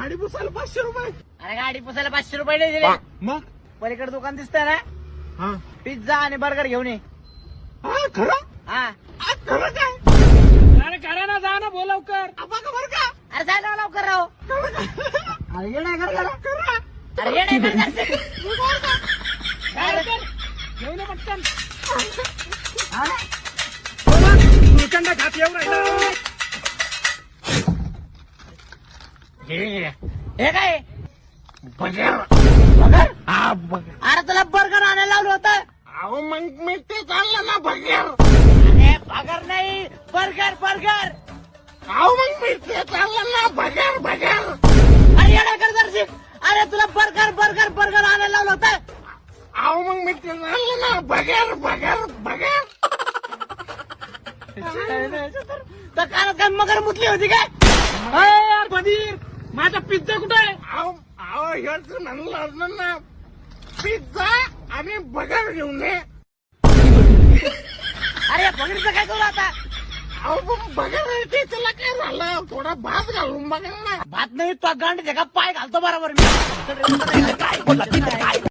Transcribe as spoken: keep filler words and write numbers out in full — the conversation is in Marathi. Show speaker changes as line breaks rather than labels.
गाडी पुसायला पाचशे रुपये.
अरे गाडी पुसायला पाचशे रुपये नाही दिले.
मग
पलीकडे दुकान दिसतंय ना,
हा
पिझ्झा आणि बर्गर घेऊन ये.
हा खरं
हा
आ, खरं काय
अरे करा ना, जा ना, बोल लवकर.
बघा बरं का
अरे जायला लवकर राहो. अरे ये नाही कर करा. अरे ये नाही कर
काय रे कर? घेऊन ये पटकन.
गुलकंद खात येऊ राहिला.
हे काय
बघा
बर्गर?
हा बघ
अरे तुला बर्गर आणायला लावलं होतं.
अहो मग मी ते चाललं ना बघेर.
अरे बर्गर नाही, बर्गर बर्गर.
अहो मग मी ते चाललं ना बघेर बघेर.
अरे येणार कर जरशी. अरे तुला बर्गर बर्गर बर्गर आणायला लावलं होतं.
अहो मग मी ते चाललं ना बघेर बघेर बघेर.
तर कानात काय मगर मुतली होती काय?
अरे यार बधीर, माझा पिझ्झा कुठे आहे?
अहो अहो हेच म्हणलं ना पिझ्झा आणि बघेर घेऊन ये.
अरे बघितलं काय करू आता?
अहो पण बघेर ते त्याला काय झालं, थोडा भात घालून बघा ना.
भात नाही तो गांड का पाय घालतो बरोबर मी. काय बोलला?